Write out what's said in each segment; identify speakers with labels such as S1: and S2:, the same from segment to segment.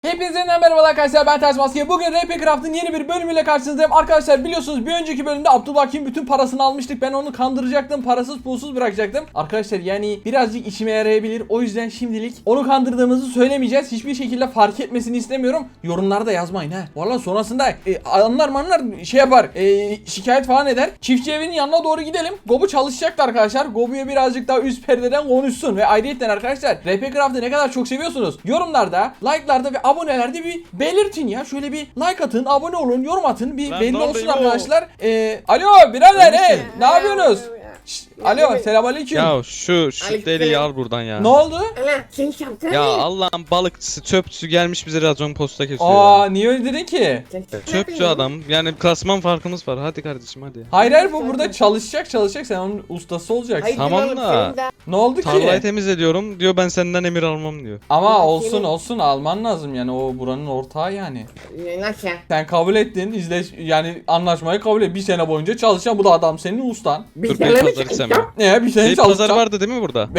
S1: Hepinize merhaba arkadaşlar, ben Ters Maske. Bugün RP Craft'ın yeni bir bölümüyle karşınızdayım. Arkadaşlar biliyorsunuz bir önceki bölümde Abdülbakir'in bütün parasını almıştık. Ben onu kandıracaktım, parasız pulsuz bırakacaktım. Arkadaşlar yani birazcık işime yarayabilir. O yüzden şimdilik onu kandırdığımızı söylemeyeceğiz. Hiçbir şekilde fark etmesini istemiyorum. Yorumlarda yazmayın ha. Valla sonrasında anlar şey yapar, şikayet falan eder. Çiftçi evinin yanına doğru gidelim. Gobu çalışacaktı arkadaşlar. Gobu'ya birazcık daha üst perdeden konuşsun. Ve ayrıca arkadaşlar RP Craft'ı ne kadar çok seviyorsunuz yorumlarda, like'larda ve abonelerde bir belirtin ya. Şöyle bir like atın, abone olun, yorum atın. Bir belli olsun arkadaşlar. Alo birader, ne yapıyorsunuz? Alo, selamünaleyküm.
S2: Ya şu deliği al buradan ya.
S1: Ne oldu?
S2: Ya Allah'ın balıkçısı, çöpçüsü gelmiş bize racon posta kesiyor
S1: Aa,
S2: ya.
S1: niye öyle dedin ki?
S2: Çöpçü adam. Yani klasman farkımız var. Hadi kardeşim hadi.
S1: Hayır, bu burada çalışacak. Sen onun ustası olacaksın.
S2: Tamam da
S1: Ne oldu ki?
S2: tarlayı temizliyorum diyor, ben senden emir almam diyor.
S1: Ama olsun alman lazım yani, o buranın ortağı yani.
S3: Nasıl?
S1: Sen kabul ettin, yani anlaşmayı kabul et. Bir sene boyunca çalışacaksın, bu da adam senin ustan.
S2: Dur Beypazarı istemem.
S1: Ne, bir sene
S2: Beypazarı
S1: çalışacaksın.
S2: vardı değil mi burada?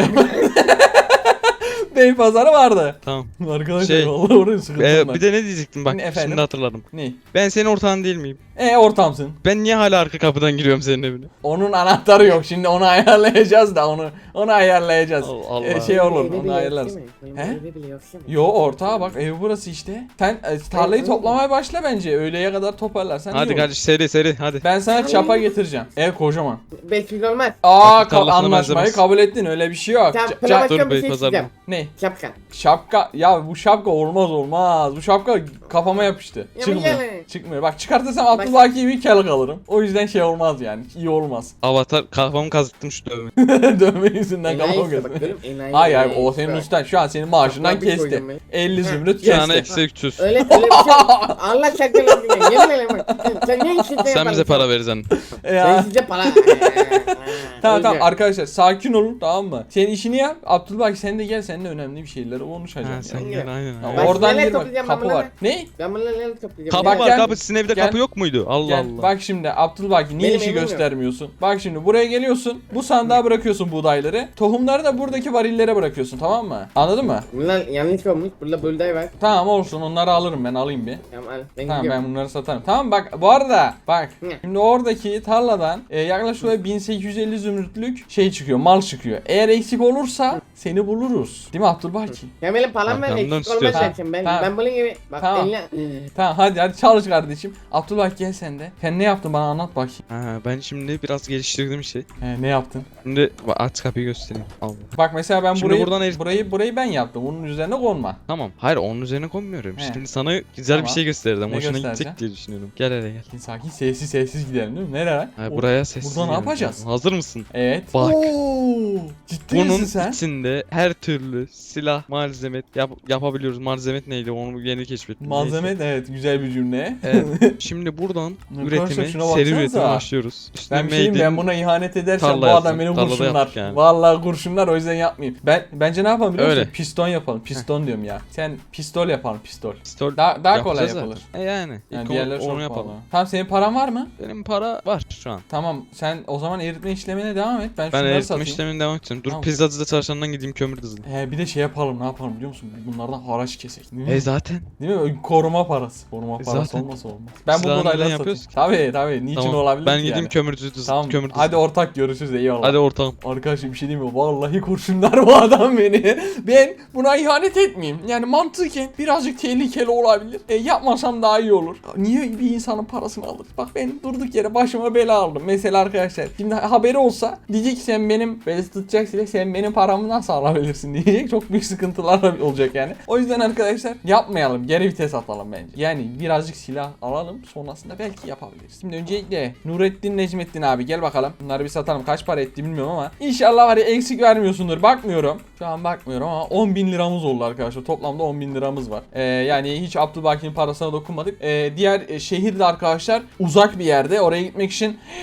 S1: Beypazarı vardı.
S2: Tamam.
S1: Arkadaşlar vallahi oraya sıkıntım var.
S2: Bir de ne diyecektim bak,
S1: Efendim?
S2: şimdi hatırladım.
S1: Ne?
S2: Ben senin ortağın değil miyim?
S1: Ortamsın.
S2: Ben niye hala arka kapıdan giriyorum senin evine?
S1: Onun anahtarı yok. Şimdi onu ayarlayacağız da onu ayarlayacağız.
S2: Allah.
S1: Şey olur, onu ayarlarız. He? Yo, ortağa bak, ev burası işte. Sen tarlayı toplamaya başla bence. Öğleye kadar toparlarsan iyi
S2: Hadi
S1: olur.
S2: kardeş, seri hadi.
S1: Ben sana çapa getireceğim. Ev kocaman.
S3: Belki olmaz.
S2: Bak, tarlasına
S1: Anlaşmayı
S2: benzemez.
S1: kabul ettin, öyle bir şey yok.
S3: Tamam,
S1: Ca-
S3: plan
S1: ca-
S3: başka
S2: dur
S3: bir
S2: bey,
S3: şey
S2: pazar
S3: isteyeceğim.
S1: ne?
S3: Şapka.
S1: Şapka. Ya bu şapka olmaz. Bu şapka kafama yapıştı.
S3: Ya
S1: Çıkmıyor.
S3: yani.
S1: Çıkmıyor. Bak çıkartırsam Abdülbaki gibi kel kalırım. O yüzden şey olmaz yani. İyi olmaz.
S2: Avatar kafamı kazıttım şu dövme.
S1: Dövme yüzünden
S3: Enayi
S1: kafam
S3: işte,
S1: gözüm.
S3: bak, görüyor musun? Enayi,
S1: Hayır
S3: enayi.
S1: o senin ustan. Şu an senin maaşından
S3: Şapka bir
S1: kesti.
S3: koydum ben.
S1: 50 zümrüt
S2: Bir tane
S1: kesti.
S2: eksi 300.
S3: Öyle bir şey. Allah şakalarını diyor. Yemin ederim bak. Sen ne işin
S2: Sen bize para vereceksin.
S3: Ben
S1: Ya.
S3: size para.
S1: Tamam
S3: Öyle.
S1: arkadaşlar, sakin olun, tamam mı? Senin işini yap. Abdülbaki sen de gel, seninle önemli bir şeyleri
S2: Ha,
S1: konuşacağız.
S2: sen
S1: Yani.
S2: gel aynen.
S1: Ya
S3: Bak,
S1: oradan
S3: neler
S1: bir bak,
S3: toplayacağım
S1: kapı
S3: ben
S1: var.
S3: bunları?
S1: Ne?
S3: Ben bunları neler toplayacağım?
S2: Kapı
S1: Bak,
S2: var,
S1: gel.
S2: kapı, sizin evde
S1: Gel.
S2: kapı yok muydu? Allah
S1: Gel,
S2: Allah.
S1: bak şimdi Abdülbaki niye
S3: Benim
S1: işi
S3: evim yok.
S1: göstermiyorsun? Bak şimdi buraya geliyorsun. Bu sandığa bırakıyorsun buğdayları. Tohumları da buradaki varillere bırakıyorsun, tamam mı? Anladın mı?
S3: Bunlar yanlış olmuş. Burada buğday var.
S1: Tamam olsun, onları alırım, ben alayım bir.
S3: Tamam al. Ben
S1: Tamam,
S3: gidiyorum.
S1: ben bunları satarım. Tamam bak, bu arada bak
S3: Ne?
S1: şimdi oradaki tarladan yaklaşık olarak 1850 zümrütlük şey çıkıyor, mal çıkıyor. Eğer eksik olursa seni buluruz. Değil mi Abdülbaki?
S3: Ya benim param var,
S2: Arkamdan
S3: eksik olmaz
S2: istiyorsan.
S3: zaten. Ben
S1: Tamam.
S3: bunun gibi bak
S1: Tamam.
S3: eline.
S1: Tamam hadi çalış kardeşim. Abdülbaki gel sen de. Sen ne yaptın, bana anlat bakayım.
S2: Ha, ben şimdi biraz geliştirdim bir şey.
S1: Ne yaptın?
S2: Şimdi aç kapıyı göstereyim. Allah.
S1: Bak mesela ben
S2: Şimdi buradan
S1: burayı ben yaptım. Bunun üzerine konma.
S2: Tamam. Hayır, onun üzerine konmuyorum.
S1: He.
S2: Şimdi sana güzel
S1: Tamam.
S2: bir şey gösterdim.
S1: Ne
S2: Hoşuna
S1: göstereceksin?
S2: gidecek diye düşünüyorum. Gel hele gel.
S1: Sakin sessiz gidelim değil mi? Nereye?
S2: Ha, buraya sessiz.
S1: Burada ne
S2: gelin.
S1: yapacağız?
S2: Hazır mısın?
S1: Evet.
S2: Bak.
S1: Oo, ciddi
S2: Bunun
S1: misin sen?
S2: içinde her türlü silah, malzeme yapabiliyoruz. Malzeme neydi? Onu yeni keşfettim.
S1: Malzeme
S2: Neyse.
S1: evet, güzel bir cümle.
S2: Evet. Şimdi buradan
S1: Arkadaşlar
S2: üretime,
S1: şuna
S2: seri
S1: baksanıza.
S2: üretime başlıyoruz. İşte
S1: Ben bir şeyim,
S2: made
S1: ben
S2: in-
S1: buna ihanet edersem
S2: tarla
S1: bu adam
S2: yaptım.
S1: beni
S2: Tarlada
S1: kurşunlar.
S2: yaptık yani.
S1: Vallahi kurşunlar, o yüzden yapmayayım. Bence ne yapalım biliyor musun?
S2: Öyle.
S1: Piston yapalım. Piston diyorum ya. Sen pistol yapalım, pistol.
S2: Pistol
S1: Daha kolay
S2: yapacağız
S1: yapılır.
S2: zaten. Yani.
S1: Yani
S2: İlk
S1: diğerleri çok
S2: onu yapalım.
S1: pahalı. Tamam, senin paran var mı?
S2: Benim para var şu an.
S1: Tamam, sen o zaman eritme işlemine devam et. Ben
S2: Ben
S1: şunları
S2: eritme
S1: satayım.
S2: işlemine devam edeceğim. Dur,
S1: Tamam.
S2: pizzacıda çalışandan gideyim kömür dizeyim.
S1: Bir de şey yapalım, ne yapalım biliyor musun? Bunlardan haraç kesek. Değil mi?
S2: Zaten.
S1: Değil mi? Koruma parası. Koruma parası
S2: Zaten.
S1: olmasa olmaz. Ben bu
S2: Silahını
S1: buğdayları
S2: neden
S1: satayım.
S2: yapıyoruz ki?
S1: Tabii. Niçin
S2: Tamam.
S1: olabilir
S2: Ben
S1: ki
S2: gideyim
S1: yani?
S2: kömür dizeyim.
S1: Tamam.
S2: Kömür dizeyim.
S1: Hadi ortak görüşürüz, eyvallah.
S2: Hadi ortağım.
S1: Arkadaşım bir şey diyeyim mi? Vallahi kurşunlar bu adam beni. Ben buna ihanet etmeyeyim. Yani mantıken birazcık tehlikeli olabilir. Yapmasam daha iyi olur. Niye bir insanın parasını alır? Bak ben durduk yere başıma bela aldım. Mesela arkadaşlar şimdi haberi olsa diyecek ki sen benim beni tutacaksın, sen benim paramı nasıl alabilirsin diyecek. Çok büyük sıkıntılar olacak yani. O yüzden arkadaşlar yapmayalım. Geri vites atalım bence. Yani birazcık silah alalım. Sonrasında belki yapabiliriz. Şimdi öncelikle Nurettin Necmettin abi gel bakalım. Bunları bir satalım. Kaç para etti bilmiyorum ama İnşallah var ya eksik vermiyorsundur. Bakmıyorum. Şu an bakmıyorum ama 10.000 liramız oldu arkadaşlar. Toplamda 10.000 liramız var. Yani hiç Abdülbaki'nin parasına dokunmadık. Diğer şehirde arkadaşlar uzak bir yerde. Oraya gitmek için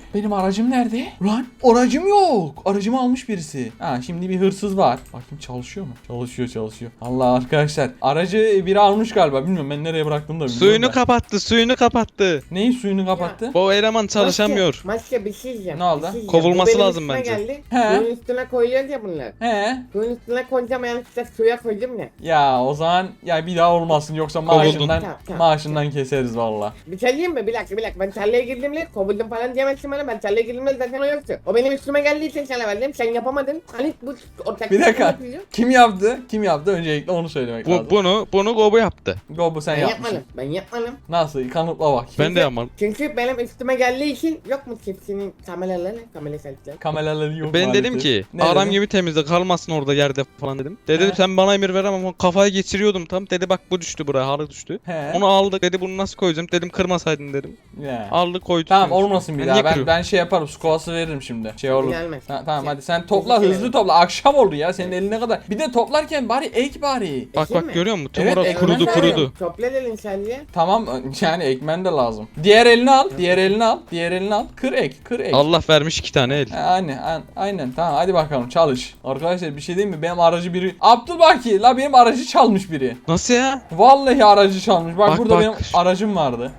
S1: Benim aracım nerede? Lan aracım yok. Aracımı almış birisi. Ha şimdi bir hırsız var. Bakayım çalışıyor mu? Çalışıyor. Allah arkadaşlar. Aracı biri almış galiba. Bilmiyorum ben nereye bıraktım da bilmiyorum.
S2: Suyunu kapattı.
S1: Neyin suyunu kapattı?
S2: Bu eleman çalışamıyor.
S3: Maske bir şey diyeceğim.
S1: Ne oldu?
S3: bir şey diyeceğim.
S2: Kovulması
S3: Bu benim
S2: lazım
S3: üstüme
S2: bence.
S3: Geldi.
S1: He.
S3: Suyun üstüne koyuyoruz ya bunlar.
S1: He.
S3: Suyun üstüne koyacağım yanlışlıkla suya koydum ya.
S1: Ya o zaman ya bir daha olmasın yoksa
S2: Kovuldun.
S1: maaşından
S3: Tamam.
S1: maaşından keseriz valla.
S3: Bir şey diyeyim mi? Bir dakika. Ben tarlaya girdiğimde kovuldum falan diyemezsin bana. Ben tarlaya girdiğimde zaten o yoktu. O benim üstüme geldiği için sana verdim. Sen yapamadın. Hani bu ortak.
S1: Bir dakika. Kim yaptı? Kim yaptı? Öncelikle onu söylemek lazım.
S2: Bunu Gobu yaptı.
S1: Gobu sen
S3: Ben
S1: yapmışsın.
S3: yapmadım. Ben yapmadım.
S1: Nasıl? Kanıtla bak.
S2: Ben de yapmadım.
S3: Çünkü benim üstüme geldiği için yok mu çiftçinin kameraları? Kamera selfie'ler.
S1: Kameraları yok
S2: Ben
S1: maalesef.
S2: dedim ki
S1: Ne
S2: adam
S1: dedin?
S2: gibi temizle kalmasın orada yerde falan dedim. Dedi
S1: He.
S2: sen bana emir ver ama kafayı geçiriyordum tam. Dedi bak bu düştü buraya halı düştü.
S1: He.
S2: Onu aldık dedi bunu nasıl koyacağım dedim kırmasaydın dedim.
S1: Ya.
S2: Aldık koyduk.
S1: Tamam olmasın bir
S2: Ben
S1: daha.
S2: niye
S1: Ben
S2: kırıyorum?
S1: şey yaparım. Su kovası veririm şimdi. Şey olur.
S3: Gelmez.
S1: Tamam
S3: Şey-
S1: hadi sen topla
S3: Teşekkür
S1: hızlı
S3: ederim.
S1: topla. Akşam oldu ya senin eline kadar. Bir de toplarken bari ek bari.
S2: Bak
S3: Ekin mi?
S2: bak görüyor musun? Tüm
S1: Evet,
S2: orası
S1: ekmek
S2: kurudu
S1: var.
S2: kurudu.
S3: Topla dedin sen diye.
S1: Tamam yani ekmen de lazım. Diğer elini al. Diğer elini al. Diğer elini al. Kır ek. Kır ek.
S2: Allah vermiş 2 tane el.
S1: Aynen tamam hadi bakalım çalış. Arkadaşlar bir şey diyeyim mi? Benim aracı biri Abdülbaki la benim aracı çalmış biri.
S2: Nasıl ya?
S1: Vallahi aracı çalmış. Bak,
S2: Bak,
S1: burada
S2: bak.
S1: benim aracım vardı.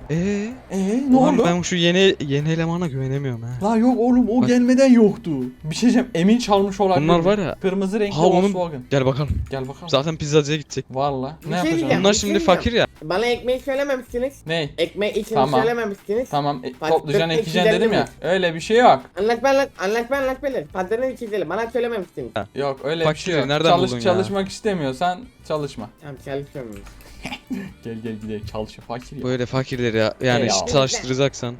S1: Ne
S2: Ulan
S1: oldu?
S2: ben şu yeni elemana güvenemiyorum ha.
S1: La yok oğlum o
S2: Bak.
S1: gelmeden yoktu. Bir şey diyeceğim emin çalmış olabilir.
S2: Bunlar
S1: mi?
S2: var ya.
S1: Kırmızı renkli
S2: Ha, onun-
S1: Volkswagen.
S2: Gel bakalım.
S1: Gel bakalım.
S2: Zaten pizzacıya gidecek.
S1: Valla.
S3: Bir
S1: Ne
S3: şey
S1: yapacağım?
S3: diyeceğim.
S2: Bunlar
S3: bir
S2: şimdi
S3: şey
S2: fakir ya.
S3: Bana ekmeği söylememişsiniz.
S1: Ne?
S3: Ekmeği için
S1: Tamam.
S3: söylememişsiniz.
S1: Tamam
S3: Bak,
S1: toplayacaksın
S3: 40
S1: ekeceksin dedim ya.
S3: ekşilerini
S1: Öyle bir şey yok.
S3: Anlat beni. Patronun içizelim. Bana söylememişsiniz.
S1: Yok öyle bir
S2: Fakir,
S1: şey yok.
S2: nereden buldun ya?
S1: Çalışmak istemiyorsan çalışma.
S3: Tamam çalışıyorum.
S1: Gel gidelim çalışıyor fakir ya.
S2: Böyle fakirleri ya. Yani
S1: Eyvallah.
S2: çalıştıracaksan.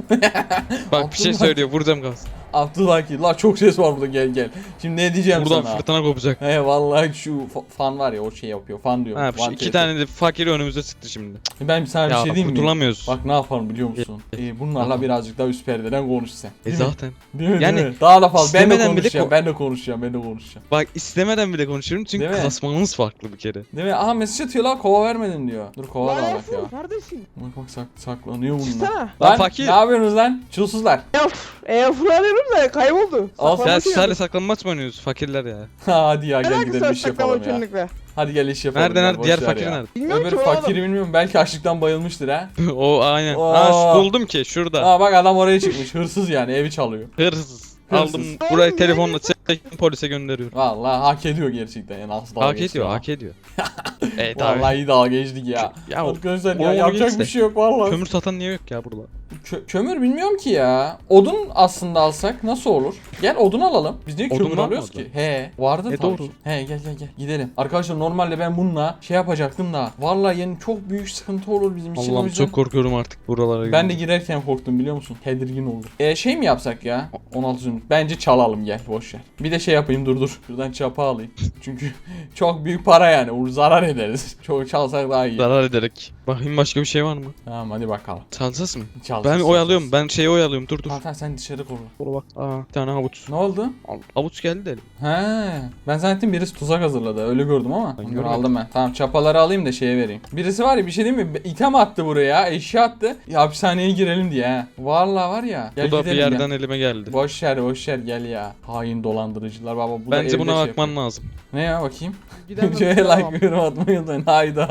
S2: Bak bir şey söylüyor vuracağım kalsın.
S1: Abdülhaki la çok ses var burada gel. Şimdi ne diyeceğim
S2: Buradan
S1: sana?
S2: fırtına kopacak.
S1: He vallahi şu fan var ya o şey yapıyor. Fan diyor.
S2: Ha, şu 2 tane de fakir önümüze çıktı şimdi.
S1: Ben sana bir
S2: Ya
S1: şey diyeyim mi?
S2: kurtulamıyoruz.
S1: Bak ne yapalım biliyor musun? Bunlarla
S2: Tamam.
S1: birazcık daha üst perdeden konuş sen. Değil mi?
S2: Zaten.
S1: Değil mi?
S2: Yani
S1: Değil mi? Daha da fazla. Ben de
S2: istemeden bile
S1: konuşacağım. Ben de konuşacağım.
S2: Bak istemeden bile konuşuyorum çünkü
S1: Değil mi?
S2: kasmamız farklı bir kere.
S1: Değil mi? Aha mesaj atıyor lan kova vermedin diyor. Dur kova da bak ya.
S4: Kardeşim.
S1: Bak saklanıyor bunlar.
S4: Çıksana.
S1: Lan
S2: fakir.
S1: ne yapıyorsunuz lan? Çulsuzlar.
S4: Fırlanıyorum da kayboldu.
S1: Al
S2: Sen
S4: Saklanmak
S2: sizlerle
S4: yok.
S2: saklanmaç mı oynuyoruz fakirler ya?
S1: Hadi ya gel
S4: Alakası
S1: gidelim
S4: var
S1: iş yapalım
S4: saklama
S1: ya.
S4: çönlükle.
S1: Hadi gel iş yapalım.
S2: Nerede
S1: ya,
S2: nerede?
S1: boş
S2: Diğer
S1: ver
S2: fakir
S1: ya.
S2: nerede?
S4: Bilmiyorum
S1: Öbür
S4: ki
S1: fakiri bilmiyorum belki açlıktan bayılmıştır ha.
S2: O aynen.
S1: Oo.
S2: Ha buldum ki şurada.
S1: Aa bak adam oraya çıkmış hırsız yani evi çalıyor.
S2: Hırsız.
S1: Hırsız.
S2: Aldım burayı telefonla çektim polise gönderiyorum.
S1: Vallahi hak ediyor gerçekten yani asıl dalga
S2: Hak
S1: geçti
S2: ediyor
S1: ama.
S2: hak ediyor. Evet abi.
S1: Vallahi iyi dalga geçtik ya.
S2: Ya
S1: Arkadaşlar
S2: onu
S1: ya
S2: onu
S1: yapacak
S2: geç
S1: bir
S2: de.
S1: şey yok vallahi.
S2: Kömür satan niye yok ya burada?
S1: Kömür bilmiyorum ki ya. Odun aslında alsak nasıl olur? Gel odun alalım. Biz niye
S2: Odun
S1: kömür
S2: var mı
S1: alıyoruz
S2: orada?
S1: ki? He vardı tabii
S2: doğru.
S1: ki. He gel gidelim. Arkadaşlar normalde ben bununla şey yapacaktım da. Vallahi yani çok büyük sıkıntı olur bizim için. O
S2: Allah'ım
S1: yüzden-
S2: çok korkuyorum artık buralara.
S1: Ben de girerken korktum biliyor musun? Tedirgin oldum. Şey mi yapsak ya? 16 zümrüt. Bence çalalım gel boş ver. Bir de şey yapayım dur. Şuradan çapa alayım. Çünkü çok büyük para yani. Zarar ederiz. Çok çalsak daha iyi.
S2: zarar ederek. Bakayım başka bir şey var mı?
S1: Tamam hadi bakalım.
S2: Çalsas mı?
S1: Çalacağız,
S2: Ben oyalıyorum. Ben şeyi oyalıyorum. Dur.
S1: Tamam sen dışarı koru.
S2: Dur bak. Aa, bir tane havuç.
S1: Ne oldu?
S2: Havuç geldi de.
S1: He, ben zannettim birisi tuzak hazırladı. Öyle gördüm ama.
S2: Ben
S1: Onları
S2: görmedim.
S1: aldım ben. Tamam çapaları alayım da şeye vereyim. Birisi var ya bir şey değil mi? İtem attı buraya. Eşya attı. Ya hapishaneye girelim diye ha. Vallahi var ya. Gel
S2: Bu da bir
S1: gidelim
S2: yerden
S1: ya.
S2: elime geldi.
S1: Boş ver gel ya. Hain dolandırıcılar baba. Bu da
S2: Bence
S1: evde
S2: buna
S1: şey
S2: bakman
S1: yapıyor.
S2: lazım.
S1: Ne ya bakayım?
S4: Gidemem,
S1: Şöyle
S4: tamam.
S1: like yorum atmayı unutmayın.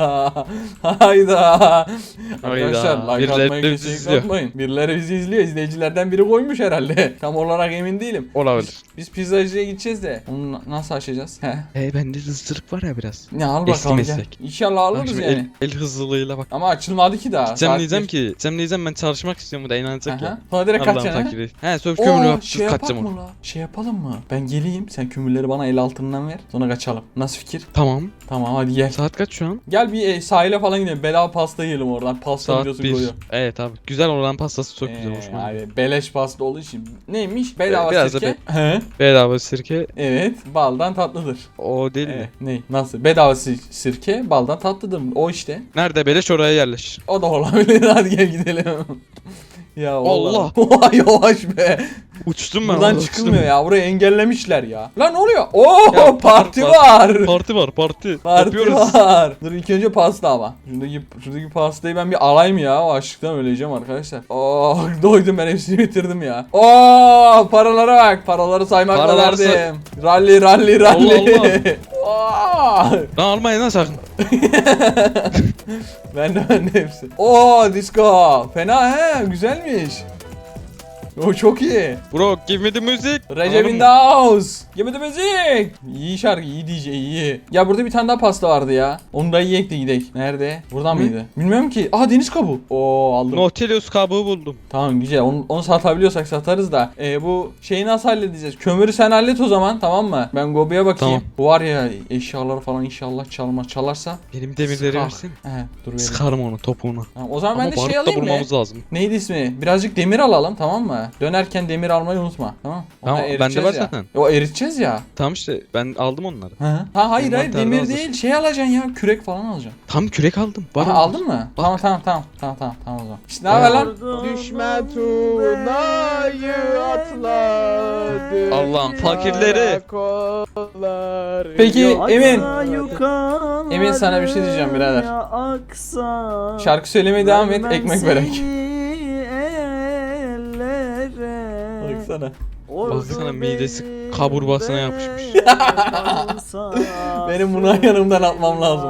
S1: Hayda. Arkadaşlar like
S2: Birileri
S1: atmayı
S2: bizi
S1: kesinlikle
S2: izliyor.
S1: unutmayın. Birileri bizi izliyor. İzleyicilerden biri koymuş herhalde. Tam olarak emin değilim.
S2: Olabilir.
S1: Biz pizzacıya gideceğiz de. Onu nasıl açacağız? He.
S2: Bende ısırık var ya biraz.
S1: Ne al
S2: Eski
S1: bakalım gel.
S2: meslek.
S1: İnşallah
S2: Bak
S1: alırız
S2: şimdi
S1: yani.
S2: el hızlılığıyla bak.
S1: Ama açılmadı ki daha.
S2: Gideceğim
S1: Saat
S2: diyeceğim
S1: bir.
S2: ki. Gideceğim diyeceğim ben çalışmak istiyorum da inanacak
S1: Aha.
S2: ya.
S1: Sonra direkt
S2: Allah'ın
S1: kaçacaksın ha.
S2: fakiri. He söz kömürü yapıp
S1: Şey yapak
S2: kaçacağım
S1: mı
S2: onu.
S1: la? Şey yapalım mı? Ben geleyim sen kömürleri bana el altından ver. Sonra kaçalım. Nasıl fikir?
S2: Tamam.
S1: Tamam hadi gel.
S2: Saat kaç şu an?
S1: Gel bir sahile falan gidelim. Bedava pasta yiyelim oradan. Pasta
S2: Saat
S1: videosu
S2: 1.
S1: koyuyor.
S2: Evet abi. Güzel olan pastası çok güzel hoşuma gidiyor.
S1: Abi beleş pasta olduğu için. Neymiş? Bedava
S2: Biraz da
S1: sirke. He.
S2: Bedava sirke
S1: Evet. Baldan tatlıdır.
S2: o değil
S1: Evet.
S2: mi?
S1: Ne? Nasıl? Bedava sirke baldan tatlıdır. O işte.
S2: Nerede beleş oraya yerleş.
S1: O da olabilir. Hadi gel gidelim. Ya
S2: Allah.
S1: Oha yavaş be.
S2: Uçtum ben.
S1: Buradan
S2: orada,
S1: çıkılmıyor ya. Burayı engellemişler ya. Lan ne oluyor? Oo
S2: Ya,
S1: parti
S2: var.
S1: var.
S2: Parti var parti.
S1: Parti
S2: Yapıyoruz.
S1: var. Dur ilk önce pasta ama. Şuradaki pastayı ben bir alayım ya. O açlıktan öleceğim arkadaşlar. Oh doydum ben hepsini bitirdim ya. Oh paralara bak. Paraları saymakla
S2: Paraları say-
S1: derdim. Rally.
S2: Allah.
S1: Oh.
S2: Lan almayın lan sakın.
S1: Ben de hepsi. Oo disco. Fena he güzelmiş. O çok iyi.
S2: Bro give me the music.
S1: Recep
S2: Anladın
S1: in
S2: mı?
S1: the house. Give me the music. İyi şarkı, iyi DJ, iyi. Ya burada bir tane daha pasta vardı ya. Onu da yiyek de gidelim. Nerede? Buradan mıydı? Bilmiyorum ki. Aha deniz kabuğu. Oo aldım.
S2: Nautilus kabuğu buldum.
S1: Tamam güzel. Onu satabiliyorsak satarız da. Bu şeyi nasıl halledeceğiz? Kömürü sen hallet o zaman, tamam mı? Ben Gobi'ye bakayım.
S2: Tamam.
S1: Bu var ya eşyaları falan inşallah çalarsa.
S2: Benim demirleri
S1: Sıkar.
S2: versin.
S1: He dur vereyim.
S2: Sıkarım onu topuğunu.
S1: Tamam, o zaman
S2: Ama
S1: ben de şey
S2: barut da
S1: alayım mı?
S2: bulmamız lazım.
S1: Neydi ismi? Birazcık demir alalım, tamam mı? Dönerken demir almayı unutma. Tamam.
S2: Tamam,
S1: Onları
S2: bende
S1: eriteceğiz
S2: var
S1: ya.
S2: zaten.
S1: O eriteceğiz ya.
S2: Tamam işte ben aldım onları.
S1: Hı. Ha hayır
S2: Envanterde
S1: demir
S2: hazır.
S1: değil, şey alacaksın ya, kürek falan alacaksın.
S2: Tam kürek aldım. Var
S1: Aha,
S2: onlar.
S1: aldın mı? Tamam o zaman. İşte ne haber lan?
S4: Düşme tunayı atladı.
S2: Allah'ım fakirleri.
S4: Kolları
S1: Peki,
S4: yok.
S1: Emin.
S5: Yukarı
S1: Emin, sana bir şey diyeceğim birader.
S5: aksa,
S1: Şarkı söylemeye devam et, ekmek
S5: vermem
S1: vererek.
S5: seni ellere.
S1: Baksana.
S2: Baksana midesi kaburbasına yapışmış.
S1: Benim bunu yanımdan atmam lazım.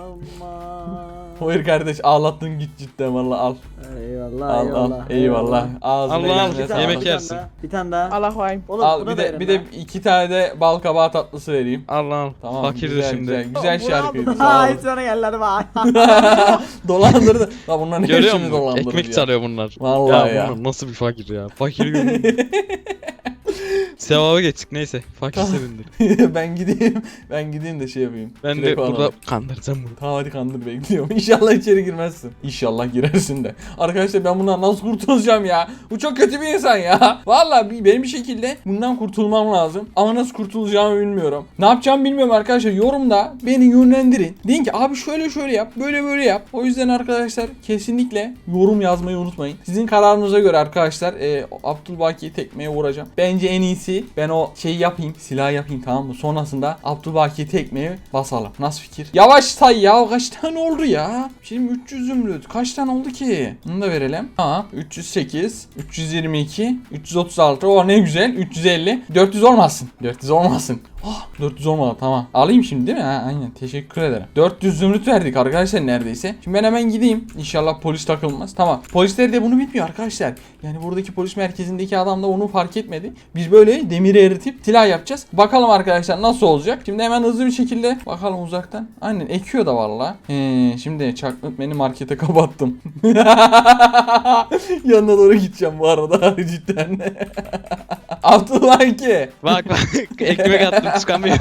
S1: Hayır kardeş, ağlattın git cidden valla al.
S5: Eyvallah
S1: Al
S5: eyvallah.
S1: al. Eyvallah. Ağzına
S2: Allah al,
S1: yüzüne
S2: yemek
S1: sağlık.
S2: yersin.
S5: Bir tane daha.
S4: Allah vayım.
S5: Oğlum,
S1: Al
S5: buna
S1: bir
S5: da
S1: de
S5: verin
S1: bir de
S5: lan.
S1: 2 tane de bal kabağı tatlısı vereyim.
S2: Al.
S1: Tamam.
S2: Fakirdi
S1: güzel,
S2: şimdi.
S1: Güzel şarkıydı.
S5: Ha
S1: Sağ ol.
S5: hiç sonra geldiler bak.
S1: Dolandırdı. La bunların
S2: Görüyor
S1: hepsini
S2: musun?
S1: dolandırdı
S2: Ekmek
S1: ya.
S2: çalıyor bunlar.
S1: Vallahi ya.
S2: Bunlar nasıl bir fakir ya? Fakir görünüyor. Sevaba geçtik neyse. Fakir sevindir.
S1: ben gideyim de şey yapayım.
S2: Ben
S1: Kürek
S2: de
S1: falan
S2: burada
S1: alayım.
S2: kandıracağım bunu.
S1: Tamam hadi kandır bekliyorum. İnşallah içeri girmezsin. İnşallah girersin de. Arkadaşlar ben bundan nasıl kurtulacağım ya? Bu çok kötü bir insan ya. Vallahi benim bir şekilde bundan kurtulmam lazım. Ama nasıl kurtulacağımı bilmiyorum. Ne yapacağımı bilmiyorum arkadaşlar. Yorumda beni yönlendirin. Deyin ki abi şöyle yap. Böyle yap. O yüzden arkadaşlar kesinlikle yorum yazmayı unutmayın. Sizin kararınıza göre arkadaşlar Abdülbaki'yi tekmeye vuracağım. Bence en iyisi ben o şeyi yapayım. Silah yapayım, tamam mı? Sonrasında Abdülbaki'yi tekmeye basalım. Nasıl fikir? Yavaş say ya. Kaç tane oldu ya? Şimdi 300 zümrüt. Kaç tane oldu ki? Bunu da verelim. Tamam. 308, 322, 336. O ne güzel. 350. 400 olmasın. 400 olmasın. Oh, 400 olmadı, tamam. Alayım şimdi değil mi? Ha, aynen. Teşekkür ederim. 400 zümrüt verdik arkadaşlar neredeyse. Şimdi ben hemen gideyim. İnşallah polis takılmaz. Tamam. Polisler de bunu bilmiyor arkadaşlar. Yani buradaki polis merkezindeki adam da onu fark etmedi. Biz böyle demiri eritip silah yapacağız. Bakalım arkadaşlar nasıl olacak. Şimdi hemen hızlı bir şekilde bakalım uzaktan. Aynen ekiyor da valla. Şimdi çaklık beni markete kapattım. Yanına doğru gideceğim bu arada cidden. Abdullah ki.
S2: Bak ekmek attım çıkamıyor.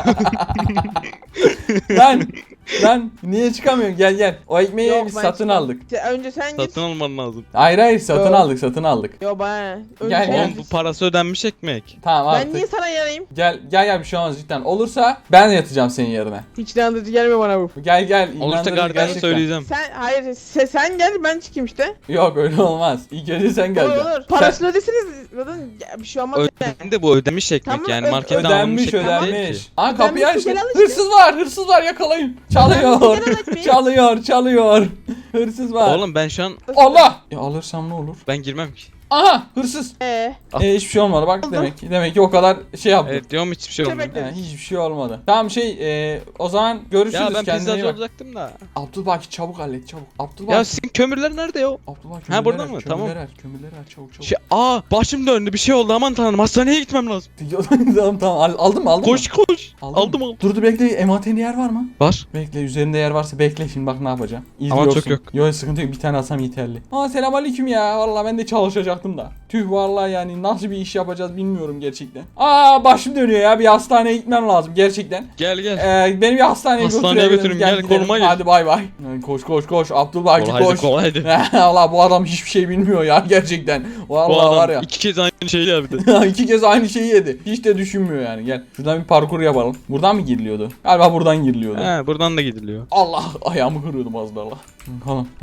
S1: Lan niye çıkamıyorsun? Gel. O ekmeği
S4: Yok,
S1: biz
S4: ben
S1: satın
S4: çıkmam.
S1: aldık.
S4: Önce sen git.
S2: Satın alman lazım.
S1: Hayır satın
S4: Yok.
S1: aldık.
S4: Yo bana. Önce
S1: Gel,
S4: sen
S1: gel.
S2: Oğlum
S4: git.
S2: bu parası ödenmiş ekmek.
S1: Tamam
S4: Ben
S1: artık.
S4: niye sana yanayım?
S1: Gel bir şey olmaz cidden. Olursa ben yatacağım senin yerine.
S4: Hiç inandırıcı gelme bana bu.
S1: Gel.
S2: Olursa
S1: inandırıcı
S2: kardeşe
S1: gerçekten.
S2: söyleyeceğim.
S4: Sen gel ben çıkayım işte.
S1: Yok öyle olmaz. İlk önce sen geleceksin.
S4: Olur. Parasını ödesiniz. Zaten bir şey olmaz.
S2: Ödendi bu ödemiş ekmek
S4: Tamam,
S2: yani marketten alınmış
S1: Ödenmiş
S2: ekmek değil ki.
S1: ödenmiş. Aa kapıyı
S4: Ödenmiş,
S1: aç.
S4: gel al işte.
S1: Hırsız var yakalayın. Çalıyor. çalıyor. Hırsız var.
S2: Oğlum ben şu an
S1: Allah. Alırsam ne olur?
S2: ben girmem ki.
S1: Aha hırsız. Hiçbir şey olmadı bak
S4: Oldu.
S1: demek ki o kadar şey yaptım.
S2: Evet diyorum hiçbir şey olmadı.
S4: Köpek.
S1: Hiçbir şey olmadı. Tamam o zaman görüşürüz,
S2: Ya ben
S1: kendine iyi
S2: pizzacı
S1: bak.
S2: olacaktım da.
S1: Abdülbaki çabuk hallet çabuk. Abdülbaki.
S2: Ya sizin kömürler nerede ya?
S1: Abdülbaki
S2: Ha, burada mı? Tamam.
S1: Kömürleri ver çabuk.
S2: Başım döndü bir şey oldu aman tanrım hastaneye gitmem lazım.
S1: tamam aldın mı?
S2: Koş.
S1: Aldın
S2: Aldım.
S1: mı? Dur bekle, ematende yer var mı?
S2: Var.
S1: Bekle, üzerinde yer varsa bekle, şimdi bak ne yapacağım.
S2: Ama çok yok.
S1: Yok sıkıntı yok, bir tane alsam yeterli. Selamünaleyküm ya, vallahi ben de çalışacaktım da. Tüh vallahi yani nasıl bir iş yapacağız bilmiyorum gerçekten. Başım dönüyor ya, bir hastaneye gitmem lazım gerçekten.
S2: Gel.
S1: Beni bir hastaneye
S2: Götürün, gel,
S1: gidelim.
S2: koluma gir.
S1: Hadi bay bay. Koş Abdülbaki koş.
S2: Kolaydı.
S1: Valla bu adam hiçbir şey bilmiyor ya gerçekten.
S2: Bu
S1: Vallahi
S2: adam
S1: var ya.
S2: 2 kez aynı şeyi yaptı.
S1: 2 kez aynı şeyi yedi. Hiç de düşünmüyor yani. Gel. Şuradan bir parkur yapalım. Buradan mı giriliyordu? Galiba buradan giriliyordu.
S2: He buradan da gidiliyor.
S1: Allah ayağımı kırıyordum az daha. Tamam.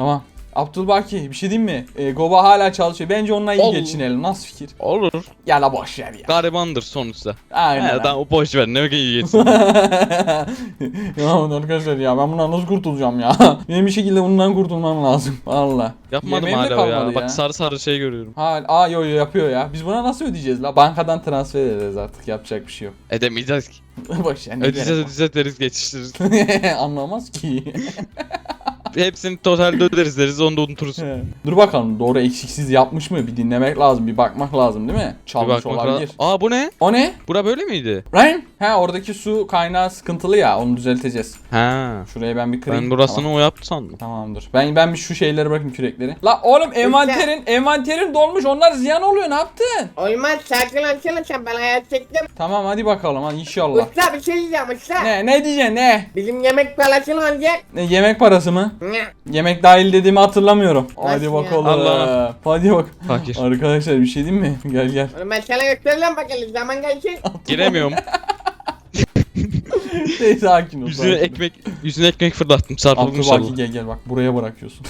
S1: Abdülbaki bir şey diyeyim mi? Goba hala çalışıyor. Bence onunla iyi
S2: Olur.
S1: geçinelim. Nasıl fikir?
S2: Olur.
S1: Ya la boş ver ya.
S2: Garibandır sonuçta.
S1: Aynen.
S2: He, tamam boş ver ne iyi geçsin.
S1: Ya arkadaşlar ya ben bundan nasıl kurtulacağım ya? Benim bir şekilde bundan kurtulmam lazım. Valla.
S2: Yapmadım
S1: Yemeğim de
S2: hala
S1: kalmadı
S2: ya. Bak sarı sarı şey görüyorum.
S1: Yo yapıyor ya. Biz buna nasıl ödeyeceğiz la? Bankadan transfer ederiz artık. Yapacak bir şey yok.
S2: Edemeyeceğiz ki.
S1: Boş ver. ne
S2: Ödeyeceğiz deriz geçiştiririz.
S1: gerek var? Anlamaz ki.
S2: Hepsini totalde öderiz deriz onu da unuturuz.
S1: Dur bakalım doğru eksiksiz yapmış mı? Bir dinlemek lazım. Bir bakmak lazım değil mi?
S2: Bir
S1: Çalmış
S2: bakmak
S1: olabilir.
S2: lazım. Aa bu ne?
S1: O ne?
S2: Bura böyle miydi?
S1: Ryan? He oradaki su kaynağı sıkıntılı ya. Onu düzelteceğiz.
S2: Ha.
S1: Şuraya ben bir kırayım.
S2: Ben burasını
S1: Tamam.
S2: o yaptı sandım.
S1: Tamamdır. Ben bir şu şeyleri bırakayım kürekleri. La oğlum envanterin dolmuş. Onlar ziyan oluyor. Ne yaptın?
S3: Olmaz sakin olsana sen ben hayat çektim.
S1: Tamam hadi bakalım hadi inşallah.
S3: Usta bir şey diyeceğim usta.
S1: Ne diyeceksin ne?
S3: Bizim yemek parasını alacak.
S1: Ne yemek parası mı?
S3: Ne?
S1: Yemek dahil dediğimi hatırlamıyorum. Hadi
S3: ya?
S1: bakalım.
S2: Allah.
S1: Hadi bak.
S2: Fakir.
S1: Arkadaşlar bir şey diyeyim mi? Gel.
S3: Oğlum ben sana göstereceğim bakalım zaman gelsin.
S2: Giremiyorum.
S1: Sakin ol.
S2: Yüzüne ekmek fırlattım. Sarpıldım
S1: Abdülbaki
S2: inşallah.
S1: gel bak buraya bırakıyorsun.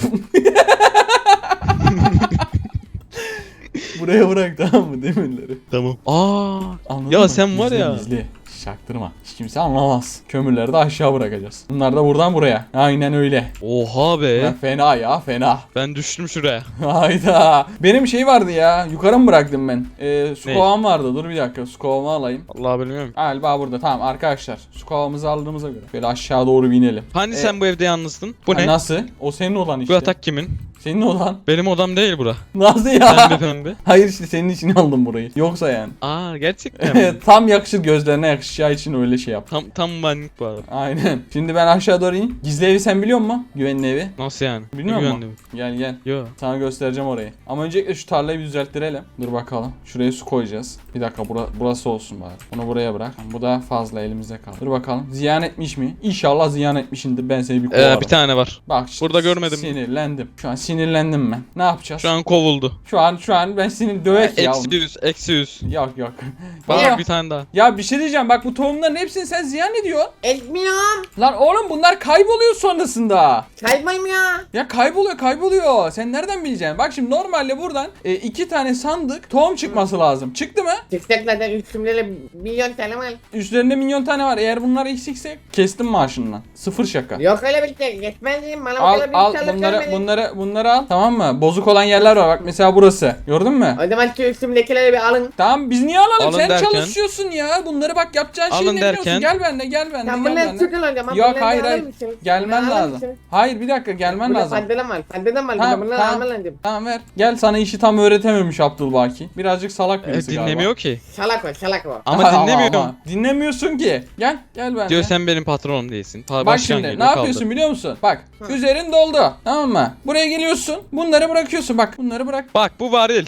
S1: Buraya bırak tamam mı demirleri?
S2: Tamam. Aa.
S1: Anladın
S2: Ya
S1: mı?
S2: sen var ya.
S1: Gizli. Çaktırma. Hiç kimse anlamaz. Kömürleri de aşağı bırakacağız. Bunlar da buradan buraya. Aynen öyle.
S2: Oha be.
S1: Ya fena ya fena.
S2: Ben düştüm şuraya.
S1: Hayda. Benim şey vardı ya. Yukarı mı bıraktım ben? Su
S2: Ne?
S1: kovam vardı. Dur bir dakika. Su kovamı alayım.
S2: Allah bilmiyorum.
S1: Galiba burada. Tamam arkadaşlar. Su kovamızı aldığımıza göre. Böyle aşağı doğru bir inelim.
S2: Hani sen bu evde yalnızsın? Bu
S1: Ha,
S2: ne?
S1: Nasıl? O senin olan
S2: Bu
S1: işte.
S2: yatak kimin?
S1: Senin olan.
S2: Benim odam değil bura.
S1: Nasıl
S2: Pembe
S1: ya?
S2: pembe.
S1: Hayır işte senin için aldım burayı. Yoksa yani.
S2: Aa gerçekten mi?
S1: Tam yakışır gözlerine yakışacağı için öyle şey yap.
S2: Tam benlik bu arada.
S1: Aynen. Şimdi ben aşağı doğru ineyim. Gizli evi sen biliyor musun? Güvenli evi.
S2: Nasıl yani?
S1: Bilmiyor
S2: Ne
S1: musun?
S2: güvendim?
S1: Gel.
S2: Yo.
S1: Sana göstereceğim orayı. Ama öncelikle şu tarlayı bir düzelttirelim. Dur bakalım. Şuraya su koyacağız. Bir dakika burası olsun bari. Bunu buraya bırak. Bu da fazla elimizde kaldı. Dur bakalım. Ziyan etmiş mi? İnşallah ziyan etmişindir. Ben seni bir kovarım.
S2: Bir tane var.
S1: Bak işte
S2: Burada görmedim.
S1: Sinirlendim. Şu an sinirlendim ben. Ne yapacağız?
S2: Şu an kovuldu.
S1: Şu an ben seni dövek ya.
S2: Eksi 100.
S1: Yok.
S2: Bak
S1: Ya.
S2: bir tane daha.
S1: Ya bir şey diyeceğim. Bak bu tohumların hepsini sen ziyan ediyorsun.
S3: Etmiyorum.
S1: Lan oğlum bunlar kayboluyor sonrasında.
S3: Kaybolmuyor.
S1: Ya kayboluyor. Sen nereden bileceksin? Bak şimdi normalde buradan 2 tane sandık tohum çıkması lazım. Çıktı mı?
S3: Çıkacak zaten üstümde milyon tane var.
S1: Üstlerinde milyon tane var. Eğer bunlar eksikse kestim maaşından. Sıfır şaka.
S3: Yok öyle bir şey. Geçmez diyeyim. Bana o
S1: Al
S3: kadar
S1: al
S3: bir tane
S1: bunları al. Tamam mı? Bozuk olan yerler var. Bak mesela burası. Gördün mü?
S3: O zaman şu üstümdekileri bir alın.
S1: Tamam biz niye alalım?
S2: Alın
S1: Sen
S2: derken?
S1: çalışıyorsun ya. Bunları bak yapacağın
S2: Alın
S1: şeyi ne biliyorsun?
S2: derken?
S1: Gel benimle.
S3: Sen bunları tutun hocam.
S1: Yok hayır. Gelmen lazım. Hayır bir dakika gelmen lazım.
S3: Faddenem var. Faddenem var.
S1: Tamam,
S3: Bunları
S1: tamam.
S3: alman lazım.
S1: Tamam ver. Gel sana işi tam öğretememiş Abdülbaki. Birazcık salak birisi galiba.
S2: Dinlemiyor ki.
S3: Salak o salak o.
S2: Ama dinlemiyor.
S1: Dinlemiyorsun ki. Gel benimle.
S2: Diyor sen benim patronum değilsin.
S1: Bak şimdi ne yapıyorsun biliyor musun? Bak üzerin doldu. Tamam mı? Buraya geliyorsun. Bunları bırakıyorsun. Bak bunları bırak.
S2: Bak bu varil.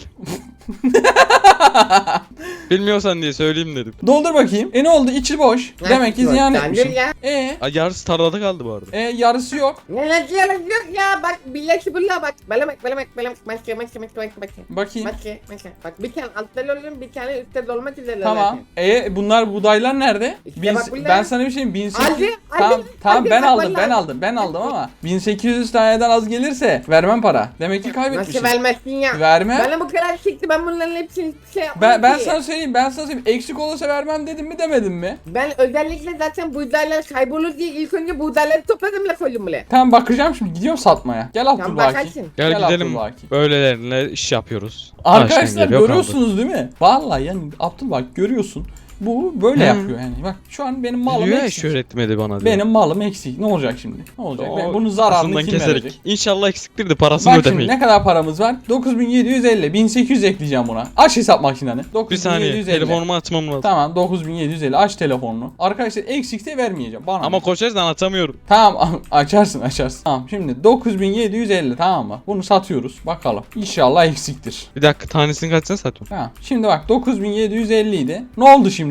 S2: Bilmiyorsan diye söyleyeyim dedim.
S1: Doldur bakayım. Ne oldu? İçi boş. Demek ki ziyan etmişsin.
S3: Ya.
S2: Ay yarısı tarlada kaldı bu arada.
S1: Yarısı yok.
S3: Ne yok ya bak billahi billah bak. Belemek maske.
S1: Bakayım.
S3: Bak bir tane altta lolum bir tane üstte dolmak üzere.
S1: Tamam. Bunlar buğdaylar nerede?
S3: İşte bak bunlar.
S1: Ben sana bir şey 1800.
S3: Aldı,
S1: Tamam
S3: aldı,
S1: ben
S3: bak
S1: aldım.
S3: vallahi.
S1: Ben aldım ama 1800 taneden az gelirse vermem para. Demek ki kaybetmişsin.
S3: Nasıl vermezsin ya?
S1: Verme.
S3: Bana bu kadar çıktı ben bunların hepsini hiçbir şey yapmadım
S1: Ben
S3: ki.
S1: sana söyleyeyim. Eksik olursa vermem dedim mi demedim mi?
S3: Ben özellikle zaten buğdaylar kaybolur diye ilk önce buğdayları topladım la koydum bile.
S1: Tamam bakacağım şimdi gidiyorum satmaya. Gel Abdülbaki.
S3: bakarsın.
S2: Gel gidelim.
S1: Abdülbaki.
S2: Böylelerine iş yapıyoruz.
S1: Arkadaşlar
S2: Aşkın geliyor,
S1: görüyorsunuz değil mi? Vallahi yani Abdülbaki görüyorsun. Bu böyle yapıyor yani. Bak şu an benim malım
S2: Biliyor ya
S1: eksik.
S2: öğretmedi bana diye.
S1: Benim malım eksik. Ne olacak şimdi? Ne olacak?
S2: O
S1: Ben bunun zararını
S2: aslından
S1: kim
S2: keserek.
S1: verecek?
S2: İnşallah eksiktir de parasını
S1: Bak şimdi
S2: ödemeyin.
S1: ne kadar paramız var? 9750. 1800 ekleyeceğim buna. Aç hesap makineni.
S2: Bir saniye
S1: 9750.
S2: telefonumu açmam lazım.
S1: Tamam 9750. Aç telefonunu. Arkadaşlar eksikse vermeyeceğim. Bana
S2: Ama
S1: ne?
S2: koşarsan atamıyorum.
S1: Tamam açarsın. Tamam şimdi 9750 tamam mı? Bunu satıyoruz. Bakalım. İnşallah eksiktir.
S2: Bir dakika tanesini kaçsana satıyorum.
S1: Tamam. Şimdi bak 9750 idi. Ne oldu şimdi?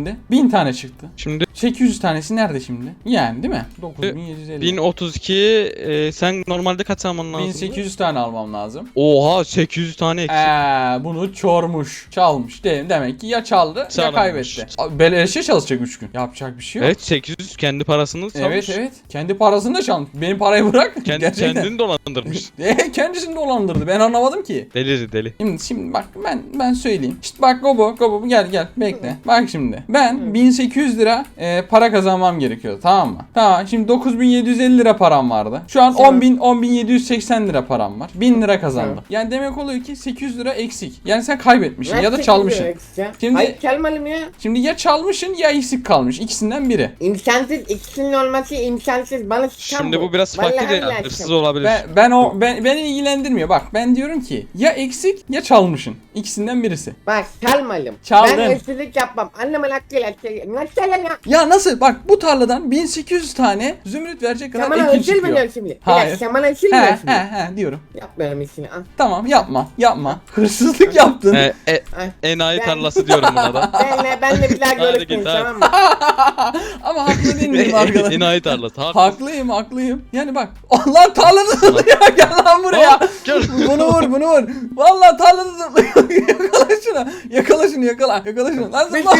S1: şimdi? 1000 tane çıktı.
S2: Şimdi
S1: 800 tanesi nerede şimdi? Yani değil mi? 9750.
S2: 1032 sen normalde kaç alman lazım?
S1: 1800 tane almam lazım.
S2: Oha 800 tane eksik.
S1: Bunu çormuş, çalmış. Demek ki ya çaldı ya
S2: Çalmış.
S1: kaybetti. Beleşe çalışacak 3 gün. Yapacak bir şey yok.
S2: Evet 800 kendi parasını çalmış.
S1: Evet. Kendi parasını da çalmış. Benim parayı bırak. Gerçekten.
S2: Kendini dolandırmış.
S1: Kendisini dolandırdı. Ben anlamadım ki.
S2: Deli.
S1: Şimdi bak ben söyleyeyim. İşte bak Gobo gel bekle. Bak şimdi. Ben 1800 lira para kazanmam gerekiyordu, tamam mı? Tamam, şimdi 9750 lira param vardı. Şu an
S3: Tamam.
S1: 10780 lira param var. 1000 lira kazandım.
S3: Tamam.
S1: Yani demek oluyor ki 800 lira eksik. Yani sen kaybetmişsin ya da
S3: Nasıl
S1: çalmışsın.
S3: gidiyor eksik?
S1: Şimdi-
S3: Hayır çalmadım ya.
S1: Şimdi ya çalmışsın ya eksik kalmış. İkisinden biri.
S3: İmkansız, ikisinin olması imkansız. Bana çıkan
S2: Şimdi bu biraz
S3: Vallahi
S2: farklı ya.
S3: billahi
S2: Hırsız
S3: çıkan.
S2: olabilir.
S1: Beni ilgilendirmiyor. Bak ben diyorum ki ya eksik ya çalmışsın. İkisinden birisi.
S3: Bak çalmadım.
S1: Çaldın.
S3: Ben hırsızlık yapmam. Annemin hakkıyla. Nasıl ya?
S1: Ya nasıl? Bak bu tarladan 1800 tane zümrüt verecek kadar
S3: Sen bana
S1: ekin
S3: hırsız mı
S1: çıkıyor.
S3: diyorsun şimdi?
S1: Hayır.
S3: Sen bana hırsız mı
S1: He
S3: diyorsun?
S1: diyorum.
S3: Yapmıyorum işini. Al.
S1: Tamam yapma. Hırsızlık yaptın.
S3: Ay.
S2: Enayi
S3: Ben-
S2: tarlası diyorum buna da.
S3: Benle bir daha
S2: Hadi
S3: görüşmeyin,
S2: git, hadi.
S3: tamam mı?
S1: Ama haklı değil miyim arkadaş?
S2: Enayi tarlası.
S1: Haklıyım. Yani bak. Allah tarlada zıplıyor. Gel lan buraya.
S2: Gel.
S1: Bunu vur. Vallahi tarlada zıplıyor. Yakala şunu. Yakala şunu. Lan zıpla.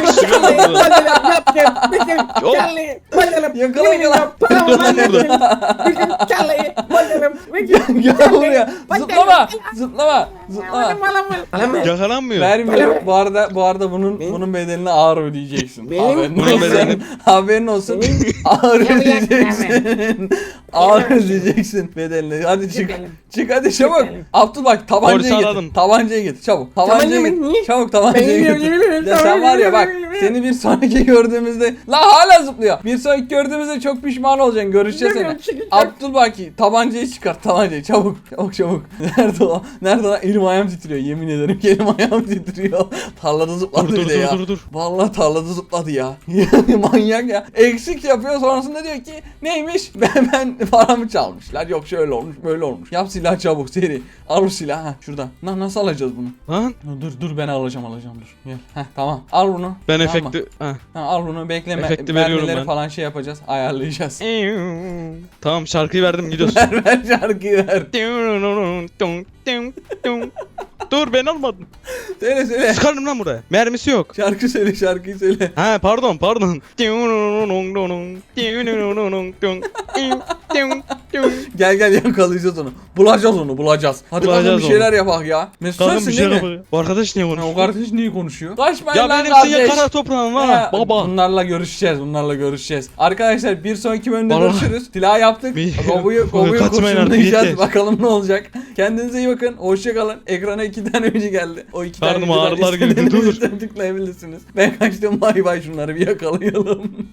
S1: Gel buraya. Zıplama.
S2: Yakalanmıyor.
S1: Vermiyorum. Bu arada bunun bedelini ağır ödeyeceksin.
S3: Benim-
S2: Bunun bedelini-
S1: Haberin olsun. Ağır ödeyeceksin. Ağır ödeyeceksin bedelini. Hadi çık.
S3: Bedelim.
S1: Çık hadi çabuk.
S3: Bedelim.
S1: Abdul bak tabancayı
S2: Polisi
S1: getir.
S2: aradım.
S1: Tabancayı getir çabuk.
S3: Tabancayı
S1: Tabancayı
S3: mı?
S1: getir.
S3: Niye?
S1: Çabuk tabancayı
S3: Ben
S1: getir.
S3: biliyorum.
S1: Ya sen var ya bak seni bir sonraki gördüğümüzde la hala zıplıyor. Bir sonraki gördüğümüzde çok pişman olacaksın. Görüşeceğiz seni. Abdülbaki tabancayı çıkart tabancayı çabuk. Nerede o? Nerede o? Elim ayağım titriyor yemin ederim ki elim ayağım titriyor. Tarlada zıpladı bir de ya.
S2: Dur.
S1: Vallahi tarlada zıpladı ya. Manyak ya. Eksik yapıyor sonrasında diyor ki neymiş? Ben paramı çalmışlar. Yok şöyle olmuş böyle olmuş. Yap silah çabuk seri. Al bu silahı. Ha şurada. Nasıl alacağız bunu?
S2: Lan
S1: Dur ben alacağım dur. Gel. Heh, tamam. Al bunu.
S2: ben
S1: Tamam mı?
S2: efekti... Heh.
S1: Ha, al bunu bekleme.
S2: Efekti veriyorum
S1: Mermileri
S2: ben.
S1: falan şey yapacağız. Ayarlayacağız.
S2: Tamam şarkıyı verdim gidiyorsun.
S1: ver şarkıyı ver.
S2: Dur ben almadım.
S1: Söyle.
S2: Sıkarım lan buraya. Mermisi yok.
S1: Şarkıyı söyle.
S2: Ha pardon.
S1: Gel yakalayacağız onu. Bulacağız. Hadi
S2: Bulacağız
S1: kadın bir
S2: onu.
S1: şeyler yapak ya. Mesut
S2: Kadın
S1: sensin
S2: bir şey
S1: değil mi?
S2: yapıyor. Bu arkadaş niye
S1: Ha, o
S2: konuşuyor?
S1: kardeş niye konuşuyor? Kaçmayın
S2: Ya
S1: lan
S2: benim
S1: kardeş.
S2: senin kara toprağım var.
S1: Ha,
S2: Baba.
S1: Bunlarla görüşeceğiz. Arkadaşlar bir sonraki bölümde
S2: Vallahi-
S1: görüşürüz. Silah yaptık.
S2: Bir-
S1: Gobu'yu
S2: Kaçmayın artık,
S1: kurşunlayacağız.
S2: yeter.
S1: Bakalım ne olacak. Kendinize iyi bakın. Hoşça kalın. Ekrana 2 tane önce geldi. O 2 tane
S2: Karnım
S1: videodan
S2: ağrılar girdi,
S1: istediğiniz
S2: dur.
S1: için tıklayabilirsiniz. Ben kaçtım. Bay bay şunları bir yakalayalım.